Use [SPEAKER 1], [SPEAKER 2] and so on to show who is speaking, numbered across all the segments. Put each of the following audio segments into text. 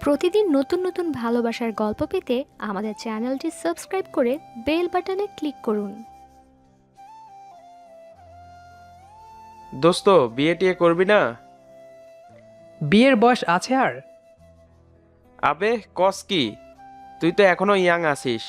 [SPEAKER 1] প্রতিদিন নতুন নতুন ভালোবাসার গল্প পেতে আমাদের চ্যানেলটি সাবস্ক্রাইব করে বেল বাটনে ক্লিক করুন।
[SPEAKER 2] দোস্ত, বিয়ে টিয়ে করবি না?
[SPEAKER 3] বিয়ের বয়স আছে আর?
[SPEAKER 2] আবে কস কি, তুই তো এখনো ইয়াং আছিস।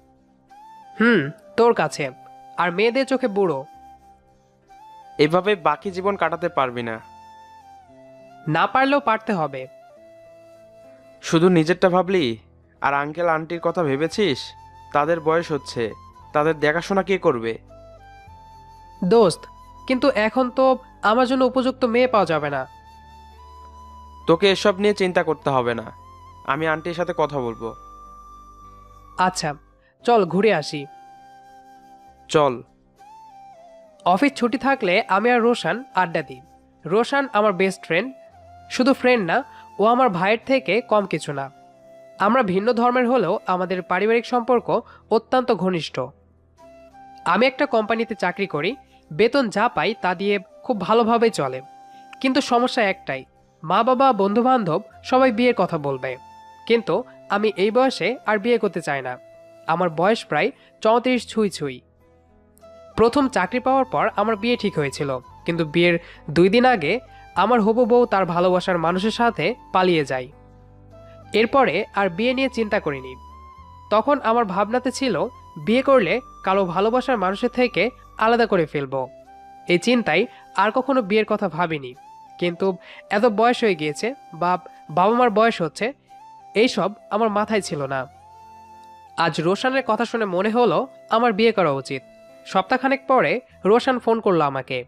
[SPEAKER 3] তোর কাছে আর মেয়েদের চোখে বুড়ো।
[SPEAKER 2] এভাবে বাকি জীবন কাটাতে পারবি না।
[SPEAKER 3] না পারলেও পারতে হবে।
[SPEAKER 2] শুধু নিজেরটা ভাবলি? আর আঙ্কেল আন্টির কথা ভেবেছিস? তাদের বয়স হচ্ছে, তাদের দেখাশোনা কে করবে?
[SPEAKER 3] দোস্ত, কিন্তু এখন তো আমার জন্য উপযুক্ত মেয়ে পাওয়া যাবে না।
[SPEAKER 2] তোকে এসব নিয়ে চিন্তা করতে হবে না, আমি আন্টির সাথে কথা বলবো।
[SPEAKER 3] আচ্ছা, চল ঘুরে আসি।
[SPEAKER 2] চল।
[SPEAKER 3] অফিস ছুটি থাকলে আমি আর রোশান আড্ডা দিই। রোশান আমার বেস্ট ফ্রেন্ড, শুধু ফ্রেন্ড না, ও আমার ভাইয়ের থেকে কম কিছু না। আমরা ভিন্ন ধর্মের হলেও আমাদের পারিবারিক সম্পর্ক অত্যন্ত ঘনিষ্ঠ। আমি একটা কোম্পানিতে চাকরি করি, বেতন যা পাই তা দিয়ে খুব ভালোভাবেই চলে। কিন্তু সমস্যা একটাই, মা বাবা বন্ধু বান্ধব সবাই বিয়ের কথা বলবে, কিন্তু আমি এই বয়সে আর বিয়ে করতে চাই না। আমার বয়স প্রায় 34 ছুঁই ছুঁই। প্রথম চাকরি পাওয়ার পর আমার বিয়ে ঠিক হয়েছিল, কিন্তু বিয়ের 2 দিন আগে আমার হবু বউ তার ভালোবাসার মানুষের সাথে পালিয়ে যায়। এরপরে আর বিয়ে নিয়ে চিন্তা করিনি। তখন আমার ভাবনাতে ছিল বিয়ে করলে কালো ভালোবাসার মানুষের থেকে আলাদা করে ফেলবো। এই চিন্তায় আর কখনো বিয়ের কথা ভাবিনি। কিন্তু এত বয়স হয়ে গিয়েছে, বাবা মার বয়স হচ্ছে, এইসব আমার মাথায় ছিল না। আজ রোশানের কথা শুনে মনে হলো আমার বিয়ে করা উচিত। সপ্তাহখানেক পরে রোশান ফোন করলো আমাকে।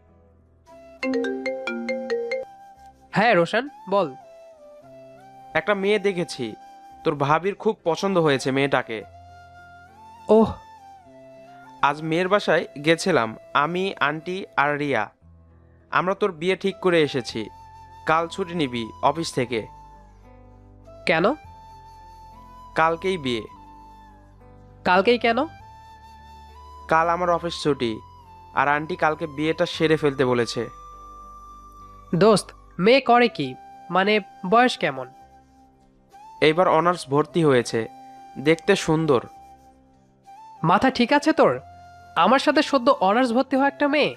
[SPEAKER 3] হ্যাঁ রোশান, বল।
[SPEAKER 2] একটা মেয়ে দেখেছি, তোর ভাবির খুব পছন্দ হয়েছে মেয়েটাকে।
[SPEAKER 3] ওহ।
[SPEAKER 2] আজ মেয়ের বাসায় গেছিলাম, আমি, আন্টি আর রিয়া। আমরা তোর বিয়ে ঠিক করে এসেছি। কাল ছুটি নিবি অফিস থেকে।
[SPEAKER 3] কেন?
[SPEAKER 2] কালকেই বিয়ে।
[SPEAKER 3] কালকেই কেন?
[SPEAKER 2] কাল আমার অফিস ছুটি, আর আন্টি কালকে বিয়েটা সেরে ফেলতে বলেছে।
[SPEAKER 3] দোস্ত, মেয়ে করে কি? মানে বয়স কেমন?
[SPEAKER 2] এইবার অনার্স ভর্তি হয়েছে, দেখতে সুন্দর।
[SPEAKER 3] মাথা ঠিক আছে তোর? আমার সাথে সদ্য অনার্স ভর্তি হওয়া একটা মেয়ে।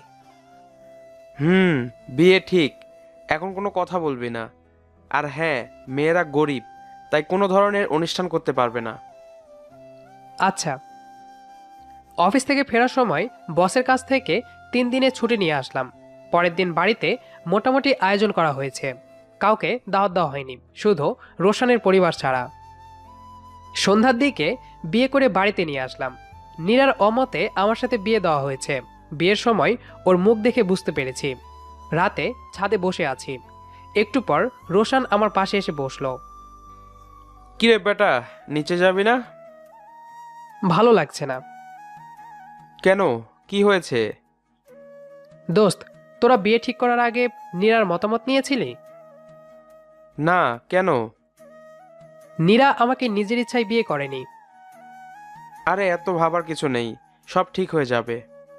[SPEAKER 2] বিয়ে ঠিক, এখন কোনো কথা বলবি না। আর হ্যাঁ, মেয়েরা গরিব, তাই কোনো ধরনের অনুষ্ঠান করতে পারবে না।
[SPEAKER 3] আচ্ছা। অফিস থেকে ফেরার সময় বসের কাছ থেকে 3 দিনের ছুটি নিয়ে আসলাম। পরের দিন বাড়িতে মোটামুটি আয়োজন করা হয়েছে। কাউকে দাওয়াত দেওয়া হয়নি, শুধু রোশানের পরিবার ছাড়া। সন্ধ্যার দিকে বিয়ে করে বাড়িতে নিয়ে আসলাম। নীরার অমতে আমার সাথে বিয়ে দেওয়া হয়েছে। বিয়ের সময় ওর মুখ দেখে বুঝতে পেরেছি। রাতে ছাদে বসে আছি, একটু পর রোশান আমার পাশে এসে বসলো।
[SPEAKER 2] কিরে বেটা, নিচে যাবি না?
[SPEAKER 3] ভালো লাগছে না।
[SPEAKER 2] কেন, কি হয়েছে?
[SPEAKER 3] দোস্ত, তোরা বিয়ে ঠিক করার আগে নীরার মতামত নিয়েছিলি?
[SPEAKER 2] না, কেন?
[SPEAKER 3] নীরা আমাকে নিজের ইচ্ছায় বিয়ে করেনি।
[SPEAKER 2] আরে এত ভাবার কিছু নেই, সব ঠিক হয়ে যাবে।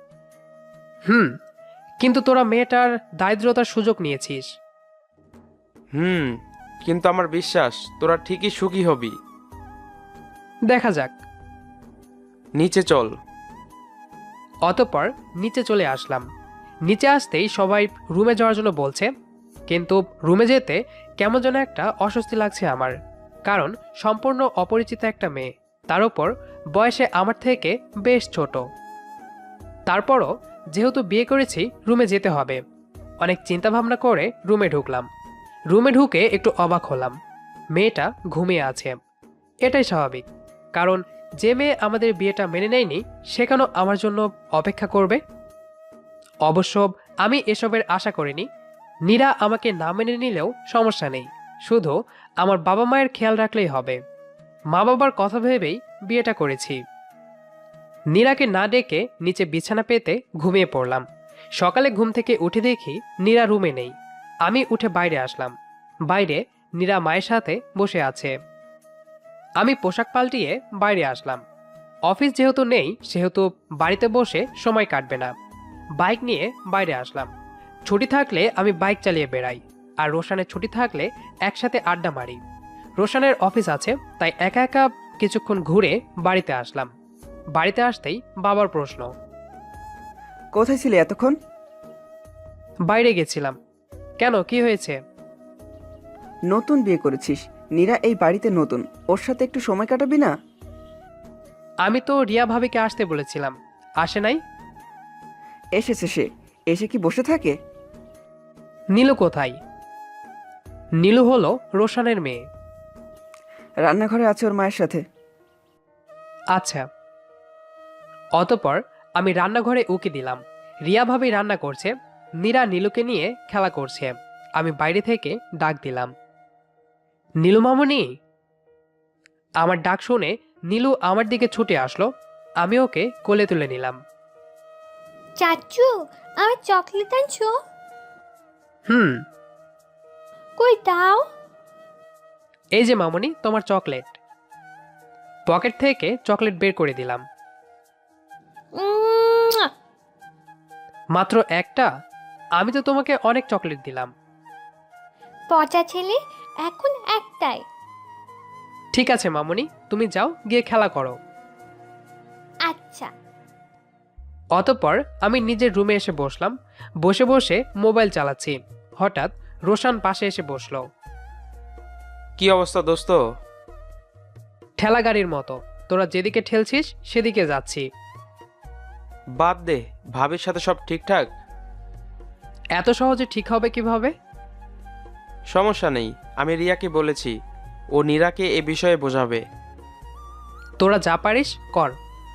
[SPEAKER 3] কিন্তু তোরা মেয়েটার দারিদ্রতার সুযোগ নিয়েছিস।
[SPEAKER 2] কিন্তু আমার বিশ্বাস তোরা ঠিকই সুখী হবি।
[SPEAKER 3] দেখা যাক।
[SPEAKER 2] নিচে চল।
[SPEAKER 3] অতঃপর নিচে চলে আসলাম। নিচে আসতেই সবাই রুমে যাওয়ার জন্য বলছে, কিন্তু রুমে যেতে কেমন যেন একটা অস্বস্তি লাগছে আমার। কারণ সম্পূর্ণ অপরিচিত একটা মেয়ে, তার উপর বয়সে আমার থেকে বেশ ছোট। তারপরও যেহেতু বিয়ে করেছি, রুমে যেতে হবে। অনেক চিন্তা ভাবনা করে রুমে ঢুকলাম। রুমে ঢুকে একটু অবাক হলাম। মেয়েটা ঘুমিয়ে আছে। এটাই স্বাভাবিক, কারণ যে মেয়ে আমাদের বিয়েটা মেনে নেয়নি সে কেন আমার জন্য অপেক্ষা করবে? অবশ্য আমি এসবের আশা করিনি। নীরা আমাকে না মেনে নিলেও সমস্যা নেই, শুধু আমার বাবা মায়ের খেয়াল রাখলেই হবে। মা বাবার কথা ভেবেই বিয়েটা করেছি। নীরাকে না ডেকে নিচে বিছানা পেতে ঘুমিয়ে পড়লাম। সকালে ঘুম থেকে উঠে দেখি নীরা রুমে নেই। আমি উঠে বাইরে আসলাম। বাইরে নীরা মায়ের সাথে বসে আছে। আমি পোশাক পাল্টিয়ে বাইরে আসলাম। অফিস যেহেতু নেই, সেহেতু বাড়িতে বসে সময় কাটবে না। বাইক নিয়ে বাইরে আসলাম। ছুটি থাকলে আমি বাইক চালিয়ে বেড়াই, আর রোশানের ছুটি থাকলে একসাথে আড্ডা মারি। রোশানের অফিস আছে, তাই একা একা কিছুক্ষণ ঘুরে বাড়িতে আসলাম। বাড়িতে আসতেই বাবার প্রশ্ন।
[SPEAKER 4] কোথায় ছিলে এতক্ষণ?
[SPEAKER 3] বাইরে গেছিলাম। কেন, কি হয়েছে?
[SPEAKER 4] নতুন বিয়ে করেছিস, নীরা এই বাড়িতে নতুন, ওর সাথে একটু সময় কাটাবি না?
[SPEAKER 3] আমি তো রিয়া ভাবিকে আসতে বলেছিলাম, আসে নাই।
[SPEAKER 4] এসেছে সে, এসে কি বসে থাকে?
[SPEAKER 3] নীলু কোথায়? নীলু হলো রোশানের মেয়ে।
[SPEAKER 4] রান্নাঘরে আছে ওর মায়ের সাথে।
[SPEAKER 3] আচ্ছা। অতঃপর আমি রান্নাঘরে উকি দিলাম। রিয়া ভাবি রান্না করছে, নীরা নীলুকে নিয়ে খেলা করছে। আমি বাইরে থেকে ডাক দিলাম, নীলু মামুনি। আমার ডাক শুনে নীলু আমার দিকে ছুটে আসলো। আমি ওকে কোলে তুলে নিলাম।
[SPEAKER 5] চাচু, আমার চকলেট আনছো?
[SPEAKER 3] হুম।
[SPEAKER 5] কই দাও?
[SPEAKER 3] এই যে মামুনি, তোমার চকলেট। পকেট থেকে চকলেট বের করে দিলাম।
[SPEAKER 5] উম্মুয়া।
[SPEAKER 3] মাত্র একটা? আমি তো তোমাকে অনেক চকলেট দিলাম।
[SPEAKER 5] পচা ছেলে, এখন একটাই।
[SPEAKER 3] ঠিক আছে মামুনি, তুমি যাও গিয়ে খেলা করো।
[SPEAKER 5] আচ্ছা।
[SPEAKER 3] অতঃপর আমি নিজের রুমে এসে বসলাম। বসে বসে মোবাইল চালাচ্ছি। হঠাৎ রোশান পাশে এসে বসলো।
[SPEAKER 2] কি অবস্থা দোস্ত?
[SPEAKER 3] ঠেলা গাড়ির মতো, তোরা যেদিকে ঠেলছিস সেদিকে যাচ্ছি।
[SPEAKER 2] বাদ দে, ভাবির সাথে সব ঠিকঠাক?
[SPEAKER 3] এত সহজে ঠিক হবে কিভাবে?
[SPEAKER 2] সমস্যা নেই, আমি রিয়াকে বলেছি, ও নীরাকে এ বিষয়ে বোঝাবে।
[SPEAKER 3] তোরা যা পারিস কর।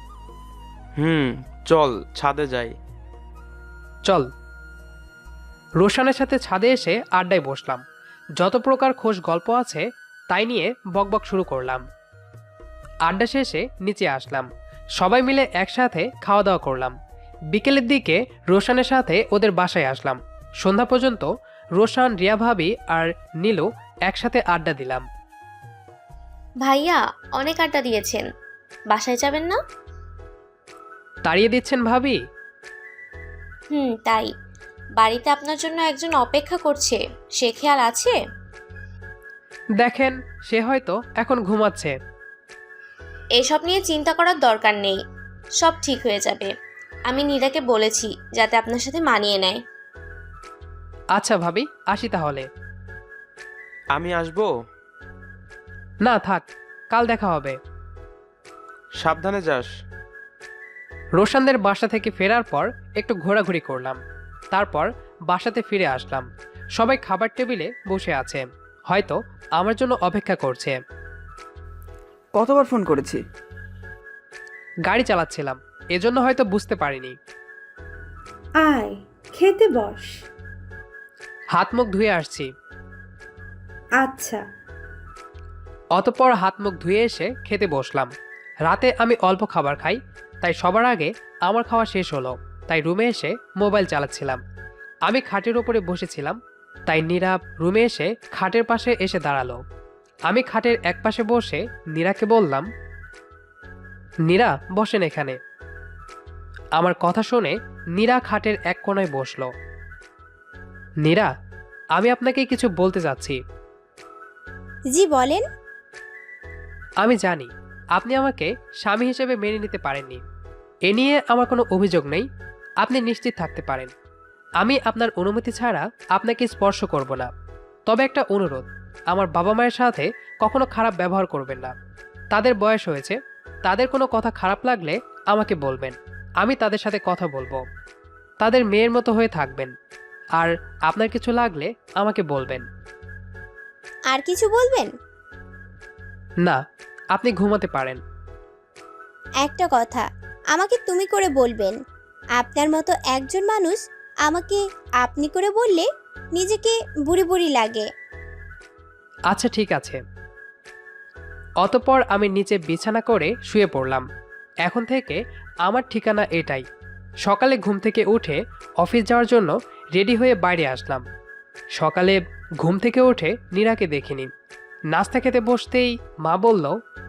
[SPEAKER 2] চল ছাদে যাই।
[SPEAKER 3] চল। রোশানের সাথে ছাদে এসে আড্ডায় বসলাম। যত প্রকার খোশ গল্প আছে তাই নিয়ে বকবক শুরু করলাম। আড্ডা শেষে নিচে আসলাম। সবাই মিলে একসাথে খাওয়া দাওয়া করলাম। বিকেলের দিকে রোশানের সাথে ওদের বাসায় আসলাম। সন্ধ্যা পর্যন্ত রোশান, রিয়া ভাবি আর নীলু একসাথে আড্ডা দিলাম।
[SPEAKER 6] ভাইয়া অনেক আড্ডা দিয়েছেন, বাসায় যাবেন না?
[SPEAKER 3] তাড়িয়ে দিচ্ছেন ভাবি?
[SPEAKER 6] তাই। বাড়িতে আপনার জন্য একজন অপেক্ষা করছে, সে খেয়াল আছে?
[SPEAKER 3] দেখেন, সে হয়তো এখন ঘুমাচ্ছে।
[SPEAKER 6] এসব নিয়ে চিন্তা করার দরকার নেই, সব ঠিক হয়ে যাবে। আমি নীরাকে বলেছি যাতে আপনার সাথে মানিয়ে নেয়।
[SPEAKER 3] আচ্ছা ভাবি, আসি তাহলে।
[SPEAKER 2] আমি আসবো?
[SPEAKER 3] না থাক, কাল দেখা হবে।
[SPEAKER 2] সাবধানে যাস।
[SPEAKER 3] রোশানদের বাসা থেকে ফেরার পর একটু ঘোরাঘুরি করলাম। তারপর বাসাতে ফিরে আসলাম। সবাই খাবার টেবিলে বসে আছে, হয়তো আমার জন্য অপেক্ষা করছে।
[SPEAKER 4] কতবার ফোন করেছি?
[SPEAKER 3] গাড়ি চালাচ্ছিলাম, এজন্য হয়তো বুঝতে পারিনি।
[SPEAKER 7] আয়, খেতে বস।
[SPEAKER 3] হাত মুখ ধুয়ে আসছি।
[SPEAKER 7] আচ্ছা।
[SPEAKER 3] অতঃপর হাত মুখ ধুয়ে এসে খেতে বসলাম। রাতে আমি অল্প খাবার খাই, তাই সবার আগে আমার খাওয়া শেষ হলো। তাই রুমে এসে মোবাইল চালাচ্ছিলাম। আমি খাটের উপরে বসেছিলাম, তাই নীরা রুমে এসে খাটের পাশে এসে দাঁড়ালো। আমি খাটের এক পাশে বসে নীরাকে বললাম, নীরা বসেন এখানে। আমার কথা শুনে নীরা খাটের এক কোণায় বসলো। নীরা, আমি আপনাকে কিছু বলতে চাচ্ছি।
[SPEAKER 5] জি বলেন।
[SPEAKER 3] আমি জানি আপনি আমাকে স্বামী হিসেবে মেনে নিতে পারেননি, এ নিয়ে আমার কোনো অভিযোগ নেই। আপনি নিশ্চিত থাকতে পারেন আমি আপনার অনুমতি ছাড়া আপনাকে স্পর্শ করব না। তবে একটা অনুরোধ, আমার বাবা মায়ের সাথে কখনো খারাপ ব্যবহার করবেন না। তাদের বয়স হয়েছে, তাদের কোনো কথা খারাপ লাগলে আমাকে বলবেন, আমি তাদের সাথে কথা বলবো। তাদের মেয়ের মতো হয়ে থাকবেন, আর আপনার কিছু লাগলে আমাকে বলবেন।
[SPEAKER 5] আর কিছু বলবেন?
[SPEAKER 3] না, আপনি ঘুমাতে পারেন।
[SPEAKER 5] একটা কথা, আমাকে তুমি করে বলবেন। আপনার মতো একজন মানুষ আমাকে আপনি করে বললে নিজেকে বুড়ি বুড়ি লাগে।
[SPEAKER 3] আচ্ছা ঠিক আছে। অতঃপর আমি নিচে বিছানা করে শুয়ে পড়লাম। এখন থেকে আমার ঠিকানা এটাই। সকালে ঘুম থেকে উঠে অফিস যাওয়ার জন্য রেডি হয়ে বাইরে আসলাম। সকালে ঘুম থেকে উঠে নীরাকে দেখিনি। নাস্তা খেতে বসতেই মা বলল,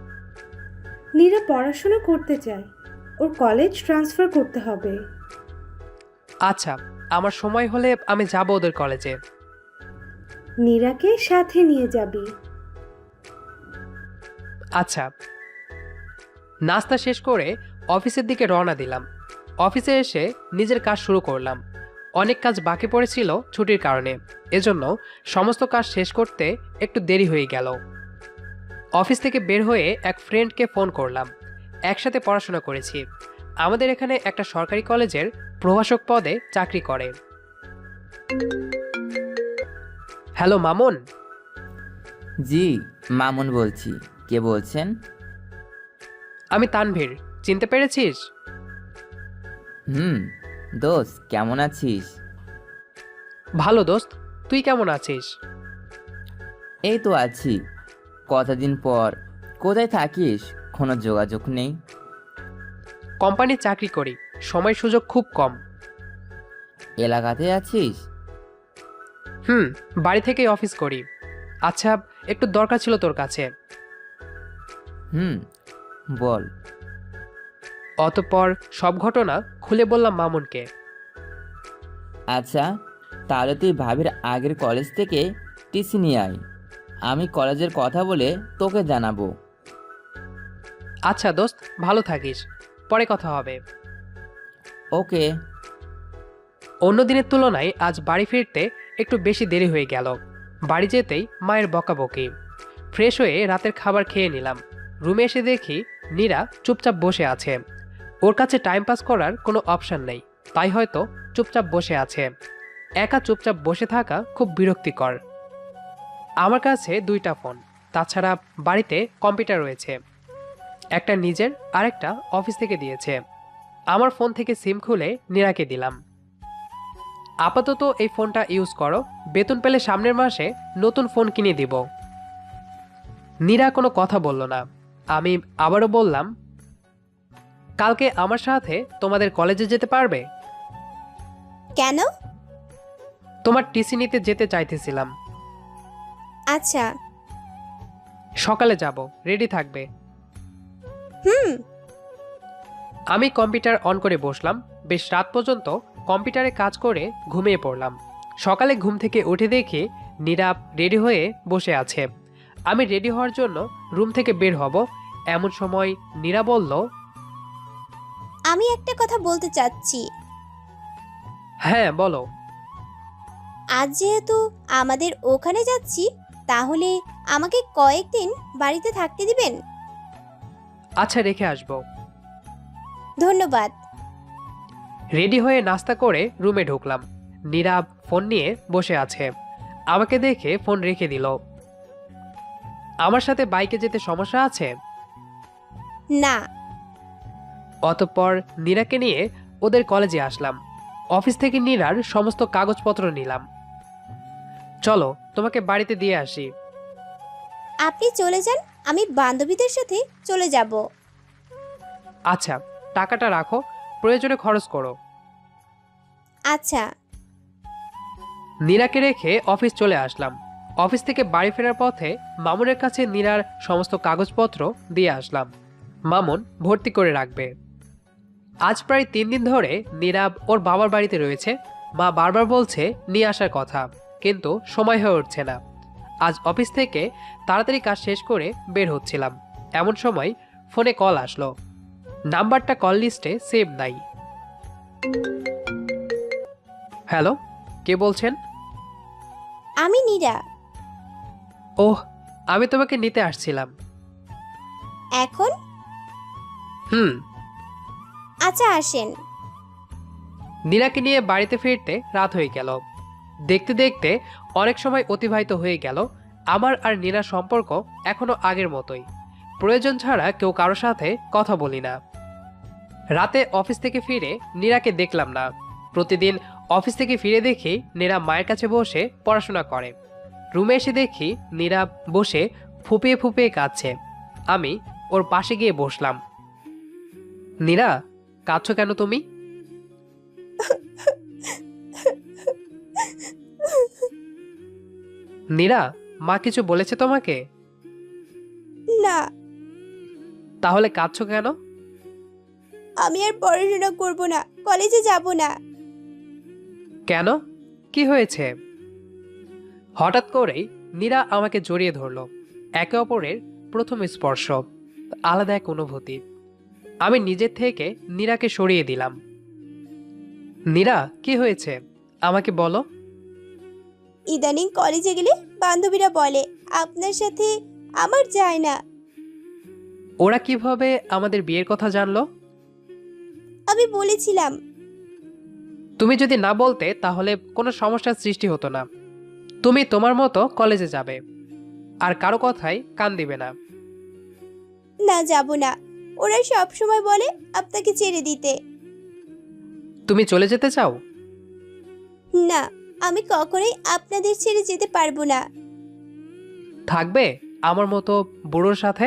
[SPEAKER 7] নীরা পড়াশোনা করতে চায়, ওর কলেজ ট্রান্সফার করতে হবে।
[SPEAKER 3] আচ্ছা, আমার সময় হলে আমি যাব ওদের কলেজে।
[SPEAKER 7] নীরাকে সাথে নিয়ে যাবি।
[SPEAKER 3] আচ্ছা। নাস্তা শেষ করে অফিসের দিকে রওনা দিলাম। অফিসে এসে নিজের কাজ শুরু করলাম। অনেক কাজ বাকি পড়েছিল ছুটির কারণে, এজন্য সমস্ত কাজ শেষ করতে একটু দেরি হয়ে গেল। অফিস থেকে বের হয়ে এক ফ্রেন্ডকে ফোন করলাম। একসাথে পড়াশোনা করেছি। আমাদের এখানে একটা সরকারি কলেজের প্রভাষক পদে চাকরি করে। হ্যালো মামুন।
[SPEAKER 8] জি, মামুন বলছি। কে বলছেন?
[SPEAKER 3] আমি তানভীর, চিনতে পেরেছিস?
[SPEAKER 8] দোস্ত কেমন আছিস?
[SPEAKER 3] ভালো দোস্ত, তুই কেমন আছিস?
[SPEAKER 8] এই তো আছি। কতদিন পর। কোথায় থাকিস? কোনো যোগাযোগ নেই।
[SPEAKER 3] কোম্পানির চাকরি করি, সময় সুযোগ খুব কম।
[SPEAKER 8] এলাকাতে আছিস?
[SPEAKER 3] বাড়ি থেকেই অফিস করি। আচ্ছা, একটু দরকার ছিল তোর কাছে।
[SPEAKER 8] বল।
[SPEAKER 3] অতঃপর সব ঘটনা খুলে বললাম মামুনকে।
[SPEAKER 8] আচ্ছা, তাহলে তুই ভাবির আগের কলেজ থেকে টিসি নিয়ে আয়। আমি কলেজের কথা বলে তোকে জানাবো।
[SPEAKER 3] আচ্ছা দোস্ত, ভালো থাকিস, পরে কথা হবে।
[SPEAKER 8] ওকে।
[SPEAKER 3] অন্য দিনের তুলনায় আজ বাড়ি ফিরতে একটু বেশি দেরি হয়ে গেল। বাড়ি যেতেই মায়ের বকাবকি। ফ্রেশ হয়ে রাতের খাবার খেয়ে নিলাম। রুমে এসে দেখি নীরা চুপচাপ বসে আছে। ওর কাছে টাইম পাস করার কোনো অপশন নেই, তাই হয়তো চুপচাপ বসে আছে। একা চুপচাপ বসে থাকা খুব বিরক্তিকর। আমার কাছে দুইটা ফোন, তাছাড়া বাড়িতে কম্পিউটার রয়েছে। একটা নিজের, আরেকটা অফিস থেকে দিয়েছে। আমার ফোন থেকে সিম খুলে নীরাকে দিলাম। আপাতত এই ফোনটা ইউজ করো, বেতন পেলে সামনের মাসে নতুন ফোন কিনে দিব। নীরা কোনো কথা বলল না। আমি আবারও বললাম, কালকে আমার সাথে তোমাদের কলেজে যেতে পারবে?
[SPEAKER 5] কেন?
[SPEAKER 3] তোমার টিসি নিতে যেতে চাইতেছিলাম।
[SPEAKER 5] আচ্ছা।
[SPEAKER 3] সকালে যাব, রেডি থাকবে।
[SPEAKER 5] হুম।
[SPEAKER 3] আমি কম্পিউটার অন করে বসলাম। বেশ রাত পর্যন্ত কম্পিউটারে কাজ করে ঘুমিয়ে পড়লাম। সকালে ঘুম থেকে উঠে দেখি নীরা রেডি হয়ে বসে আছে। আমি রেডি হওয়ার জন্য রুম থেকে বের হব, এমন সময় নীরা বলল,
[SPEAKER 5] আমি একটা কথা বলতে চাচ্ছি।
[SPEAKER 3] হ্যাঁ বলো।
[SPEAKER 5] আজ যেহেতু আমাদের ওখানে যাচ্ছি, তাহলে আমাকে কয়েকদিন বাড়িতে থাকতে দিবেন?
[SPEAKER 3] আচ্ছা, রেখে আসবো।
[SPEAKER 5] ধন্যবাদ।
[SPEAKER 3] রেডি হয়ে নাস্তা করে রুমে ঢুকলাম। নীরা ফোন নিয়ে বসে আছে। আমাকে দেখে ফোন রেখে দিল। আমার সাথে বাইকে যেতে সমস্যা আছে?
[SPEAKER 5] না।
[SPEAKER 3] অতঃপর নীরাকে নিয়ে ওদের কলেজে আসলাম। অফিস থেকে নীরার সমস্ত কাগজপত্র নিলাম। চলো তোমাকে বাড়িতে দিয়ে আসি।
[SPEAKER 5] আপনি চলে যান, আমি বান্ধবীদের সাথে চলে যাব।
[SPEAKER 3] আচ্ছা, টাকাটা রাখো, প্রয়োজনে খরচ করো।
[SPEAKER 5] আচ্ছা।
[SPEAKER 3] নীরাকে রেখে অফিস চলে আসলাম। অফিস থেকে বাড়ি ফেরার পথে মামুনের কাছে নীরার সমস্ত কাগজপত্র দিয়ে আসলাম। মামুন ভর্তি করে রাখবে। আজ প্রায় 3 দিন ধরে নীরা ওর বাবার বাড়িতে রয়েছে। মা বারবার বলছে নিয়ে আসার কথা, কিন্তু সময় হয়ে উঠছে না। আজ অফিস থেকে তাড়াতাড়ি কাজ শেষ করে বের হচ্ছিলাম, এমন সময় ফোনে কল আসলো। নাম্বারটা কল লিস্টে সেভ নাই। হ্যালো, কে বলছেন?
[SPEAKER 5] আমি নীরা।
[SPEAKER 3] ওহ, আমি তোমাকে নিতে আসছিলাম।
[SPEAKER 5] এখন? আচ্ছা, আসেন।
[SPEAKER 3] নীরাকে নিয়ে বাড়িতে ফিরতে রাত হয়ে গেল। দেখতে দেখতে অনেক সময় অতিবাহিত হয়ে গেল। আমার আর নীরার সম্পর্ক এখনো আগের মতোই। প্রয়োজন ছাড়া কেউ কারো সাথে কথা বলি না। রাতে অফিস থেকে ফিরে নীরাকে দেখলাম না। প্রতিদিন অফিস থেকে ফিরে দেখি নীরা মায়ের কাছে বসে পড়াশোনা করে। রুমে এসে দেখি নীরা বসে ফুপিয়ে ফুপিয়ে কাঁদছে। আমি ওর পাশে গিয়ে বসলাম। নীরা, কাঁদছো কেন তুমি? নীরা, মা কিছু বলেছে তোমাকে?
[SPEAKER 5] না।
[SPEAKER 3] তাহলে কাঁদছো কেন?
[SPEAKER 5] আমি আর পড়াশোনা করব না, কলেজে যাব না।
[SPEAKER 3] কেন, কি হয়েছে? হঠাৎ করেই নীরা আমাকে জড়িয়ে ধরলো। একে অপরের প্রথম স্পর্শ, আলাদা এক অনুভূতি। আমি নিজের থেকে নীরাকে সরিয়ে দিলাম। নীরা, কি হয়েছে আমাকে বলো।
[SPEAKER 5] ইদানিং কলেজে গেলে বান্ধবীরা বলে আপনার সাথে আমার যায় না।
[SPEAKER 3] ওরা কিভাবে আমাদের বিয়ের কথা জানলো?
[SPEAKER 5] আমি বলেছিলাম।
[SPEAKER 3] তুমি যদি না বলতে তাহলে কোনো সমস্যার সৃষ্টি হতো না। তুমি তোমার মতো কলেজে যাবে, আর কারো কথায় কান দিবে না।
[SPEAKER 5] না, যাব না। ওরা সব সময় বলে আপনাকে ছেড়ে দিতে।
[SPEAKER 3] তুমি চলে যেতে চাও?
[SPEAKER 5] না, আমি কখনোই আপনাদের ছেড়ে যেতে পারবো না।
[SPEAKER 3] থাকবে আমার মতো বুড়োর সাথে?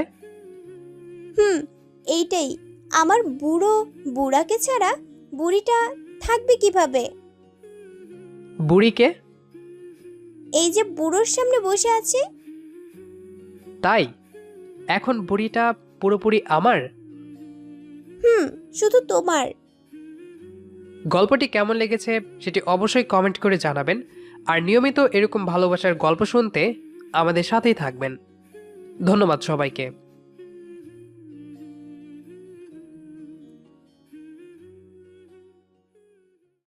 [SPEAKER 5] এইটাই। আমার বুড়াকে ছাড়া বুড়িটা থাকবে কিভাবে?
[SPEAKER 3] বুড়িকে?
[SPEAKER 5] এই যে বুড়োর সামনে বসে আছে।
[SPEAKER 3] তাই এখন বুড়িটা পুরোপুরি আমার?
[SPEAKER 5] শুধু তোমার।
[SPEAKER 3] গল্পটি কেমন লেগেছে সেটি অবশ্যই কমেন্ট করে জানাবেন। আর নিয়মিত এরকম ভালোবাসার গল্প শুনতে আমাদের সাথেই থাকবেন। ধন্যবাদ সবাইকে।